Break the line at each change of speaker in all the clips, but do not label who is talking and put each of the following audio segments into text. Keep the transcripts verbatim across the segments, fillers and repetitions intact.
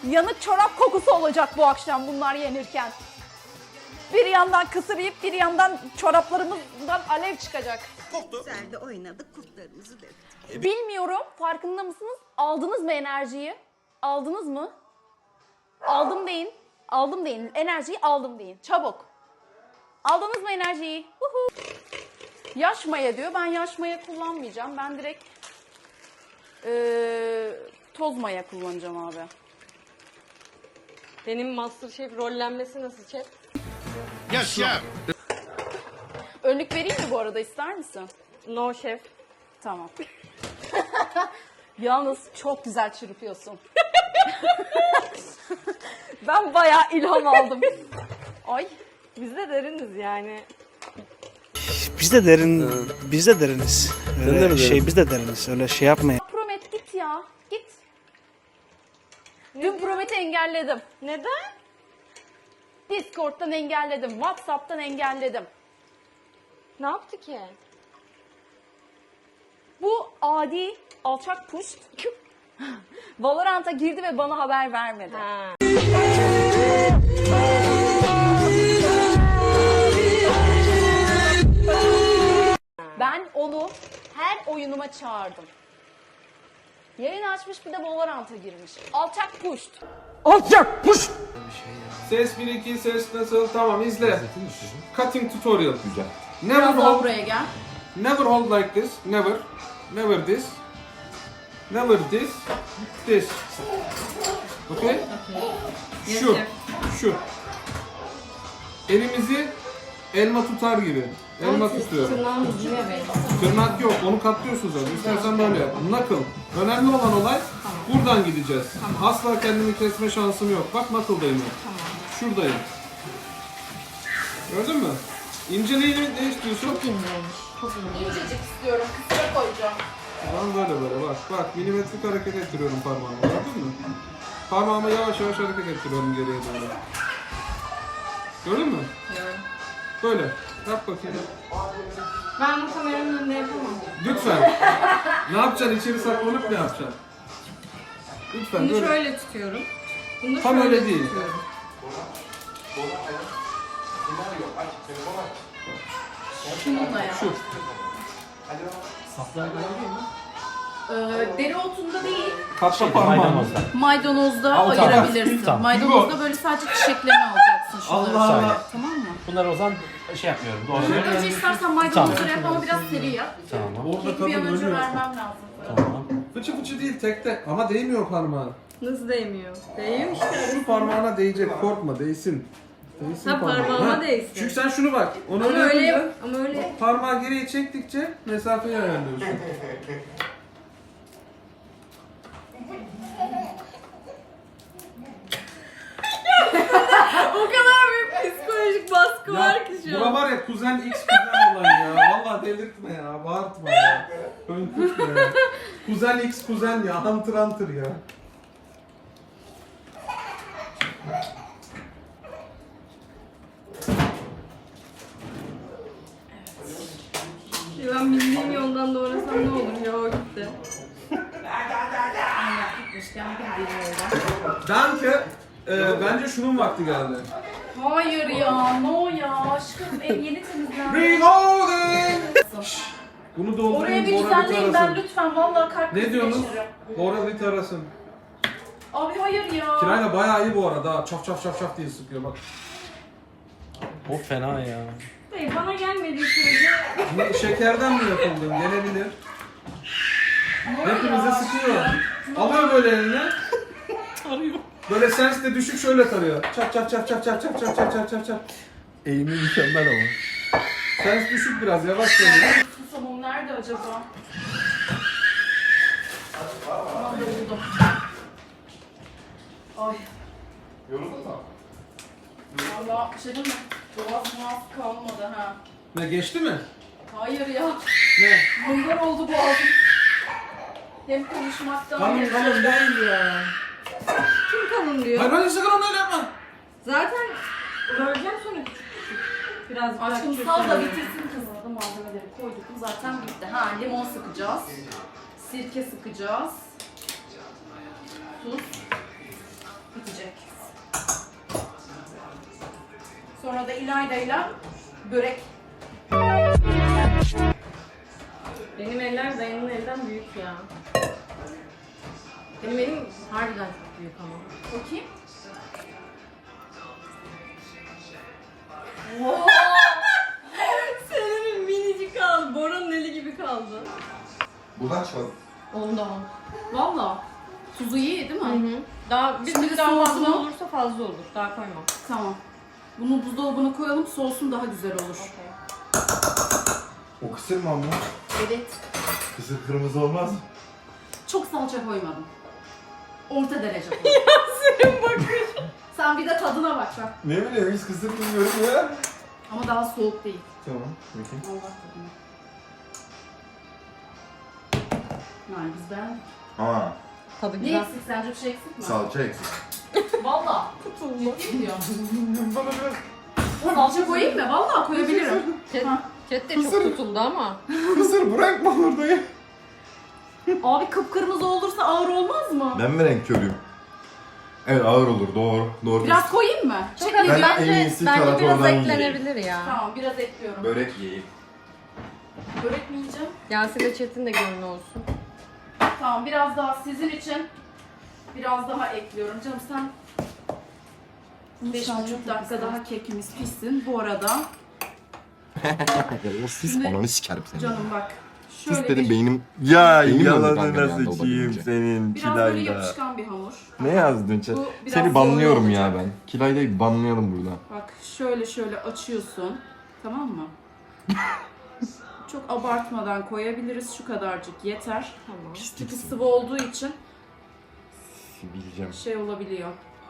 yanık çorap kokusu olacak bu akşam bunlar yenirken. Bir yandan kısır yiyip bir yandan çoraplarımızdan alev çıkacak.
Koktu.
Güzel de oynadık, kurtlarımızı döktük.
Bilmiyorum, farkında mısınız? Aldınız mı enerjiyi? Aldınız mı? Aldım deyin. Aldım deyin. Enerjiyi aldım deyin. Çabuk. Aldınız mı enerjiyi? Uhu. Yaş maya diyor. Ben yaş maya kullanmayacağım. Ben direkt ee, toz maya kullanacağım abi.
Benim MasterChef rollenmesi nasıl şef?
Yes chef.
Önlük vereyim mi bu arada, ister misin?
No şef.
Tamam. Yalnız çok güzel çırpıyorsun. Ben bayağı ilham aldım. Ay.
Biz de deriniz yani.
Biz de derin, biz de deriniz. Öyle
de mi
şey
derin?
biz de deriniz. Öyle şey yapmayın.
Promet git ya. Git. Dün Promet'i engelledim.
Neden?
Discord'dan engelledim. WhatsApp'tan engelledim.
Ne yaptı ki?
Bu adi alçak puşt Valorant'a girdi ve bana haber vermedi.
Ha.
Ben onu her oyunuma çağırdım. Yayın açmış, bir de Valorant'a girmiş. Alçak puşt.
Ses bir iki ses nasıl? Tamam izle. Cutting tutorial. Güzel. Never
Biraz daha
hold,
buraya gel.
never hold like this. Never. Never this. Never this. This. Okay? Şu. Şu. Elimizi elma tutar gibi. Elma tutuyorum.
Tırnağın ucuna benim.
Tırnak yok, onu katlıyorsun zaten. İstersen böyle yap. Knuckle. Önemli olan olay buradan gideceğiz. Asla kendimi kesme şansım yok. Bak knuckle'dayım ben. Şuradayım. Gördün mü? İnceliğini ne istiyorsun? Çok
İncecik istiyorum. Kısra koyacağım.
Tamam böyle böyle bak. Bak milimetrik hareket ettiriyorum parmağımı. Gördün mü? Parmağımı yavaş yavaş hareket ettiriyorum geriye doğru. Gördün mü?
Gördüm.
Böyle. Yap bakayım.
Ben bu kameranın önünde yapamam.
Lütfen. Ne yapacaksın? İçeri saklanıp ne yapacaksın? Lütfen
Bunu
böyle.
şöyle tutuyorum. Bunu
Tam
şöyle
öyle değil.
tutuyorum.
Şununla ya.
Şu.
Ee, dereotunda değil,
Katla parmağını.
maydanozda
Al, tamam.
ayırabilirsin.
Tamam.
Maydanozda böyle sadece çiçeklerini alacaksın şunları.
Allah
Allah.
Tamam mı?
Bunları o zaman şey yapmıyorum. Doğru.
Önce istersen maydanozları yap ama biraz seri yap.
Tamam.
Orada
Çünkü bir an
kadın
önce
ölüyor.
vermem lazım.
Tamam.
Fıçı fıçı değil tek tek ama değmiyor parmağına.
Nasıl değmiyor? Değiyor işte.
Şu parmağına değecek, korkma değsin. Değsin
Ha, parmağıma
Ha,
değsin.
Çünkü sen şunu bak, onu
Ama
öyle
öyle
yapınca
yap. Ama öyle.
parmağı geriye çektikçe mesafeyi ayarlıyorsun.
O kadar büyük psikolojik baskı var ki şu
bura
an.
var ya kuzen X kuzen olan ya. Vallahi delirtme ya, bağırtma ya. Hönkürtme ya. Kuzen X kuzen ya, hunter hunter ya.
Ben bildiğim yoldan doğrasam ne olur ya, o gitti.
Gitmişken bir deli oradan.
Danke, e, bence şunun vakti geldi.
Hayır ya, no ya. Aşkım ev yeni temizlendi.
Reloading! Bunu doldurayım,
Oraya bir
Bora bir
düzenleyin ben
tarasın.
lütfen. Vallahi kalp
Ne
krizi
diyorsunuz?
geçiririm.
Bora bir tarasın.
Abi hayır ya.
Kirayla bayağı iyi bu arada. Çaf çaf çaf çaf diye sıkıyor bak.
O fena ya.
Hayır, bana gelmediği sürece
Ne, şekerden mi yapıldı? Gelebilir. Hepimize sıkıyor. Alıyor böyle eline. Tarıyor. Böyle sens de düşük şöyle tarıyor. Çap çap çap çap çap çap çap çap çap çap çap.
Eğimi mükemmel ama.
Sens düşük biraz yavaş söylüyor.
Susamım nerede acaba? Aman da buldum. Ay.
Yoruldun mu?
Valla bir şey değil mi? Boğaz muaz kalmadı ha.
Ne geçti mi?
Hayır ya.
Ne?
Bunlar oldu boğazım. Hem konuşmaktan
Kalın
hem
kalın değil ya.
kim kalın diyor.
Hayır hayır sakın onu öyle yapma.
Zaten böleceğim sonra küçük küçük. Biraz
Aşkım
bırak
sal da
kesin.
bitirsin kızım. Da malzemeleri koyduk mu zaten bitti. Ha, limon sıkacağız. Sirke sıkacağız. Tuz. Sonra da İlayda'yla börek.
Benim eller dayının elden büyük ya. Benim elim harbiden çok büyük ama.
Bakayım.
Senin minicik kaldı. Bora'nın eli gibi kaldı.
Bulaş var.
Onda on. Valla. Tuzu iyi değil mi?
Hı hı. Daha bir
Şimdi
tık daha fazla
soğudu.
olursa fazla olur. Daha koymam.
Tamam. Bunu buzdolabına koyalım, soğusun, daha güzel olur.
O kısır mı ama?
Evet.
Kısır kırmızı olmaz.
Çok salça koymadım. Orta derece koydum. Yasemin bakış. Sen bir de tadına bak bak.
Ne bileyim hiç kısır bilmiyorum ya.
Ama daha soğuk değil.
Tamam. Bakayım.
Allah tadına. Yani biz beğendik.
Aa,
Tadı
Ne
güzel.
eksik sence, bir şey eksik mi?
salça eksik.
Valla. Ciddi diyorum. Salça koyayım mı? Valla koyabilirim.
Chat,
Ha.
chat de çok tutuldu ama.
Kısır bırakma orada ya.
Abi kıpkırmızı olursa ağır olmaz mı?
Ben mi renk körüyüm? Evet ağır olur doğru. Doğru.
Biraz koyayım mı?
Çok
Çek-
az.
Ben en
Bence,
iyisi
bence
tarhana
biraz
olan
eklenebilir ya.
Tamam, biraz ekliyorum.
Börek yiyeyim.
Börek mi yiyeceğim?
Yasin'le chat'in de gönlü olsun.
Tamam, biraz daha sizin için biraz daha ekliyorum. Canım sen beş buçuk dakika daha kekimiz pişsin. Bu arada
Sis
Şimdi-
ananı sikerim seni.
canım bak
Sis
şöyle
dedim
bir,
beynim.
Ya
Beynim
yalanı
yandı kanka bir anda
nasıl çiğim
olabildiğince.
senin
biraz böyle
Kilayda.
yapışkan bir hamur.
Ne yazdın chat?
Bu biraz
Seni
zorlu
banlıyorum ya
olacak.
ben. Kilayda'yı banlayalım burada.
Bak şöyle şöyle açıyorsun. Tamam mı? Çok abartmadan koyabiliriz. Şu kadarcık yeter.
Tamam.
Çünkü sıvı olduğu için
Bileceğim.
şey olabiliyor.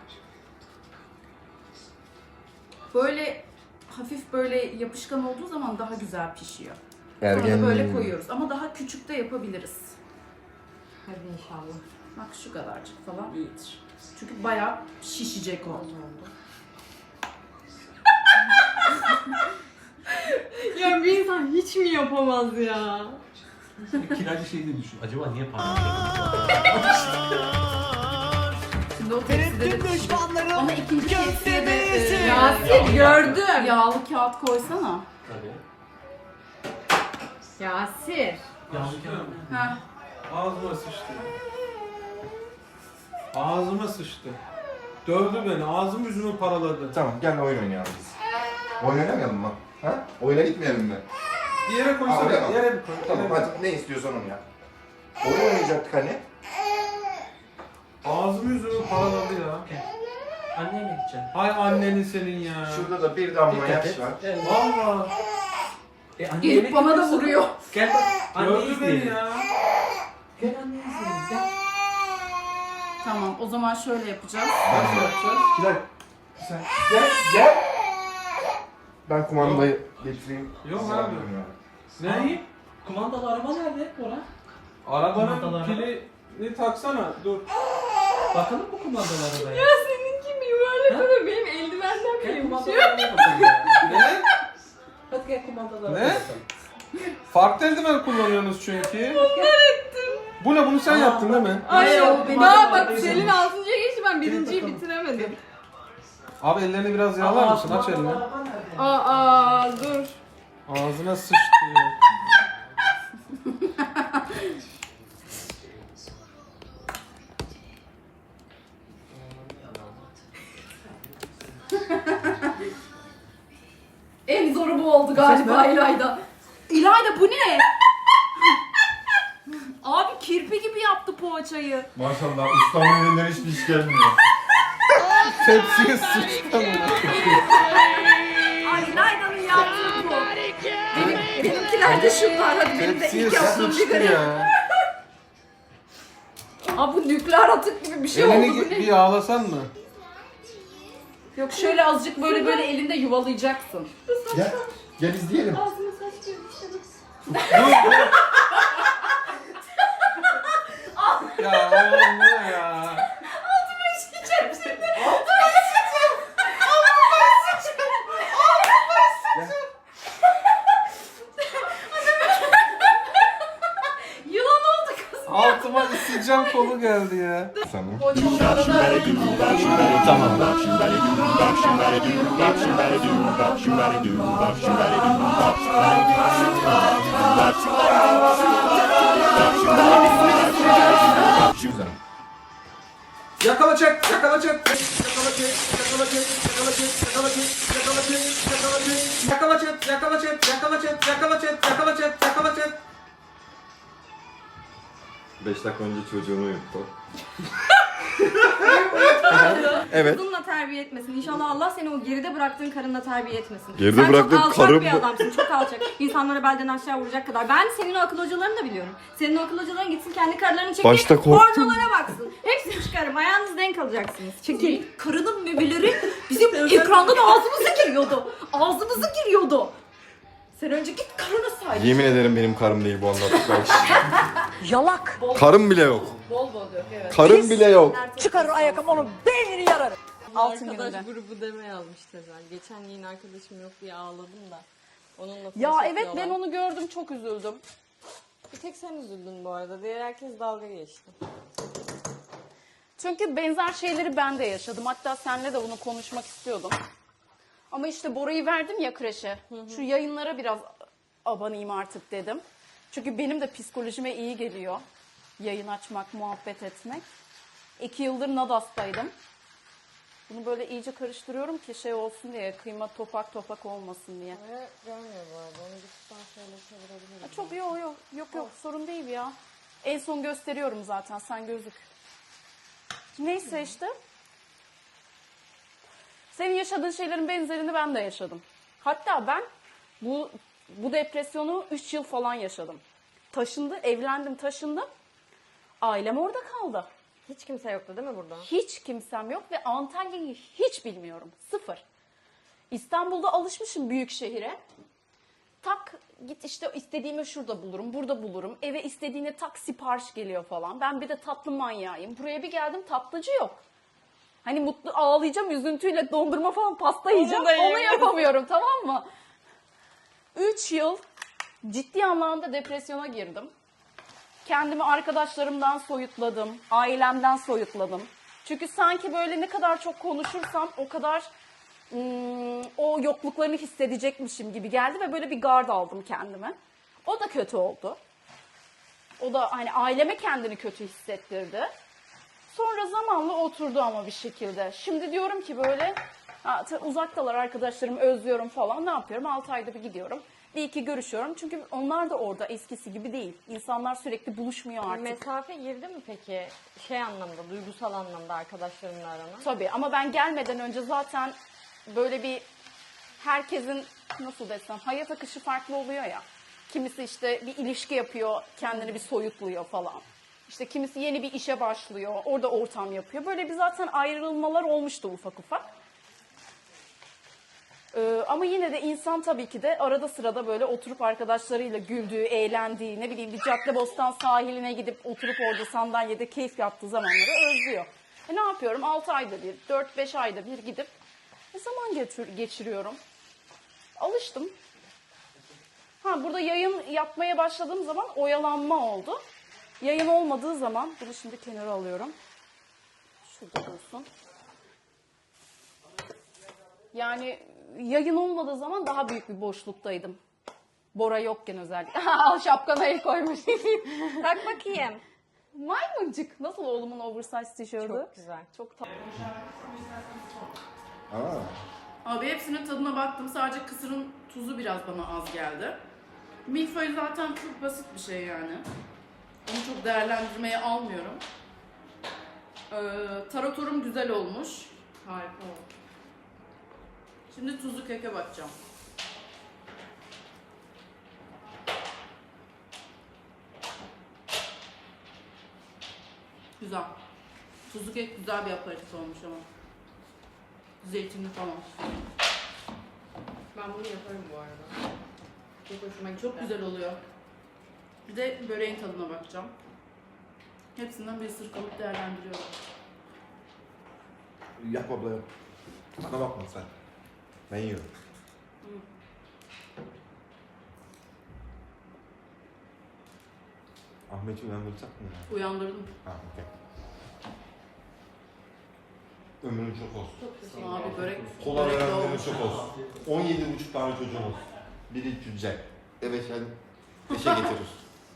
Böyle hafif böyle yapışkan olduğu zaman daha güzel pişiyor. Sonra da böyle koyuyoruz ama daha küçük de yapabiliriz.
Hadi inşallah.
Bak şu kadarcık falan iyidir. Çünkü bayağı şişecek o.
Ya bir insan hiç mi yapamaz ya?
Kiracı şey de düşün. Acaba niye parmak
Şimdi o tepside de pişecek. Ama ikinci tepsiye de e,
Yasin gördüm.
yağlı kağıt koysana.
Tabii.
Yasir.
Heh.
Ağzıma sıçtı. Ağzıma sıçtı. Dövdü beni. Ağzım yüzümü paraladı.
Tamam gel oyun oynayalım biz. Oyun oynamayalım mı? Ha? Oyuna gitmeyelim mi?
Bir yere
Aa,
koysana.
oraya mı?
Yere bir koy.
Tamam
yere bir
hadi ne istiyorsan onu yap. Oyun oynayacaktık hani.
koy. Ağzım yüzümü paraladı ya.
Anneyle gideceğim.
Hay annenin senin ya.
Şurada da bir damla
Dikkat
yaş
et.
var.
Gel.
Valla.
E, anne
Gelip
yemek
bana da
yapıyorsun.
vuruyor.
Gel bak. Anneyi
Gördü beni
izleyelim.
ya.
Gel anneyi izleyelim. Gel.
Tamam, o zaman şöyle yapacağız.
Nasıl yapacağız?
Gel. Sen gel gel. Ben kumandayı getireyim.
Yok
Size
abi.
alıyorum yani.
Ne?
Kumandalı araba nerede Bora?
Arabanın
Kumandalar.
pilini taksana. Dur.
Bakalım mı kumandalı arabaya?
Ya seninki mi böyle böyle benim eldivenden
Gel
kaymış
kumandalı
ya.
arabaya bakalım. ya.
Ne?
Hadi gel kumandalı
Ne?
arabaya bakalım.
Farklı eldiven kullanıyorsunuz çünkü. Bu ne? Bunu sen
Aa,
yaptın değil mi?
Ay
Yok,
yok.
benim
Daha
de
bak
öyle
Selin
olmuş.
altıncıya geçti ben
Gelin
birinciyi
bakalım.
bitiremedim.
Abi ellerini biraz yağlar
Aa,
mısın? Aç
kumandalı
elini.
araba nerede?
Aa dur.
Ağzına sıçtı ya.
En zoru bu oldu galiba İlayda. İlayda bu ne? Abi kirpi gibi yaptı poğaçayı.
Maşallah ustamın elinden hiçbir iş gelmiyor.
Tepsiye sıçtı mı?
Ay İlayda'nın yaptığı bu. Benim, benimkiler de şunlar. Hadi benim de
Tepsiye
ilk yaptığım bir
sıçtı
garip.
ya.
Abi bu nükleer atık gibi bir şey oldu.
Elini
Bu
bir
ne?
yağlasan mı?
Yok şöyle azıcık böyle böyle elinde yuvalayacaksın.
Gel. Gel izleyelim.
Ağzıma saç girmiş.
Ya oğlum bu ne ya?
Yılan oldu kız.
Altıma ısıcak Mertcan kolu geldi ya.
Sana. Güzel.
Yakala çek, yakala çek. Yakala çek, yakala çek, yakala çek, yakala çek, yakala çek, yakala çek. Yakala çek, yakala çek, yakala çek, yakala çek, yakala çek, yakala çek.
beş dakika önce çocuğunu uyuttu. Evet.
Kızınla terbiye etmesin. İnşallah Allah seni o geride bıraktığın karınla terbiye etmesin.
Geride
Sen
bıraktığım
çok alçak
karım
bir
mı?
adamsın. Çok alçak. İnsanları belden aşağı vuracak kadar. Ben senin o akıl hocalarını da biliyorum. Senin o akıl hocaların gitsin kendi karılarını çekip
Başta korktum.
pornolara baksın. Hepsini çıkarım. Ayağınız denk alacaksınız. Çekil. Karının memeleri bizim ekrandan ağzımıza giriyordu. Ağzımıza giriyordu. Sen önce git karına sahip.
Yemin ederim benim karım değil bu anlattıklar.
Yalak.
Karım bile yok.
Bol bol yok evet.
Karım bile yok.
Çıkarır ayakkabı onun beynini yararım.
Altın
Arkadaş
gününde.
grubu deme yazmış Tezel. Geçen yeni arkadaşım yok diye ağladım da. Onunla
Ya
flash
evet ben
atıyorlar.
onu gördüm çok üzüldüm.
Bir tek sen üzüldün bu arada. Diğer herkes dalga geçti.
Çünkü benzer şeyleri ben de yaşadım. Hatta seninle de bunu konuşmak istiyordum. Ama işte Bora'yı verdim ya kreşe. Şu yayınlara biraz abanayım artık dedim. Çünkü benim de psikolojime iyi geliyor. Yayın açmak, muhabbet etmek. İki yıldır Nadas'taydım. Bunu böyle iyice karıştırıyorum ki şey olsun diye, kıyma topak topak olmasın diye.
Ve görmüyor bu arada. Onu bir şöyle çevirebilirim.
Ha, çok yok yok yok yok sorun değil ya. En son gösteriyorum zaten sen gözük. Neyse işte. Senin yaşadığın şeylerin benzerini ben de yaşadım. Hatta ben bu bu depresyonu üç yıl falan yaşadım. Taşındı, evlendim, taşındım. Ailem orada kaldı.
Hiç kimse yoktu değil mi burada?
Hiç kimsem yok ve Antalya'yı hiç bilmiyorum. Sıfır. İstanbul'da alışmışım büyük şehire. Tak git işte istediğimi şurada bulurum, burada bulurum. Eve istediğine tak sipariş geliyor falan. Ben bir de tatlı manyağıyım. Buraya bir geldim tatlıcı yok. Hani mutlu ağlayacağım üzüntüyle dondurma falan pasta yiyeceğim.
da
Onu
yiyemem.
yapamıyorum tamam mı? Üç yıl ciddi anlamda depresyona girdim. Kendimi arkadaşlarımdan soyutladım. Ailemden soyutladım. Çünkü sanki böyle ne kadar çok konuşursam o kadar hmm, o yokluklarını hissedecekmişim gibi geldi ve böyle bir gard aldım kendime. O da kötü oldu. O da hani aileme kendini kötü hissettirdi. Sonra zamanla oturdu ama bir şekilde. Şimdi diyorum ki böyle ha, ta- uzaktalar arkadaşlarım özlüyorum falan ne yapıyorum? altı ayda bir gidiyorum. Bir iki görüşüyorum. Çünkü onlar da orada eskisi gibi değil. İnsanlar sürekli buluşmuyor artık.
Mesafe girdi mi peki? Şey anlamda, duygusal anlamda arkadaşlarımla arana?
Tabii ama ben gelmeden önce zaten böyle bir herkesin nasıl desem hayat akışı farklı oluyor ya. Kimisi işte bir ilişki yapıyor, kendini bir soyutluyor falan. İşte kimisi yeni bir işe başlıyor, orada ortam yapıyor. Böyle bir zaten ayrılmalar olmuştu ufak ufak. Ee, ama yine de insan tabii ki de arada sırada böyle oturup arkadaşlarıyla güldüğü, eğlendiği, ne bileyim bir Caddebostan sahiline gidip oturup orada sandalyede keyif yaptığı zamanları özlüyor. E ne yapıyorum? altı ayda bir, dört beş ayda bir gidip e, zaman geçir- geçiriyorum. Alıştım. Ha burada yayın yapmaya başladığım zaman oyalanma oldu. Yayın olmadığı zaman, bunu şimdi kenara alıyorum. Şurada olsun. Yani yayın olmadığı zaman daha büyük bir boşluktaydım. Bora yokken özellikle. Al şapkana el koymuş.
Tak bakayım.
Maymuncuk. Nasıl oğlumun oversize tişörtü?
Çok güzel.
Çok tatlı.
Aa.
Abi hepsinin tadına baktım. Sadece kısırın tuzu biraz bana az geldi. Milföy zaten çok basit bir şey yani. Onu çok değerlendirmeye almıyorum. Ee, taratorum güzel olmuş. Harika oldu. Şimdi tuzlu keke bakacağım. Güzel. Tuzlu kek güzel bir aperatif olmuş ama. Zeytinli falan.
Ben bunu yaparım bu arada. Çok hoşuma gitti.
Çok güzel oluyor. Bir de böreğin tadına bakacağım. Hepsinden bir ısırık alıp değerlendiriyorum.
Yap abla yap. Bana bakma sen. Ben yiyorum. Ahmet'i uyandıracak mı ya?
Uyandırdım.
Ha, okey. Ömrün çok olsun.
Abi börek.
Kola
börek de
verenlerin
olmuş.
çok olsun. on yedi buçuk tane çocuğun olsun. Biri cücek. Evet sen beşe getirir.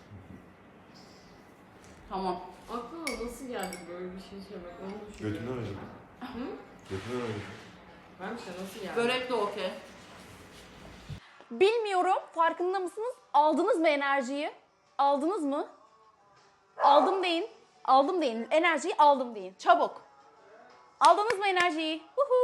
Tamam.
Aklına nasıl geldi böyle bir şey söylemek? Onu düşünüyorum.
Götümden öyle. Götümden öyle.
Ben işte nasıl geldi?
Börek de okey. Bilmiyorum, farkında mısınız? Aldınız mı enerjiyi? Aldınız mı? Aldım deyin. Aldım deyin. Enerjiyi aldım deyin. Çabuk. Aldınız mı enerjiyi? Huhu.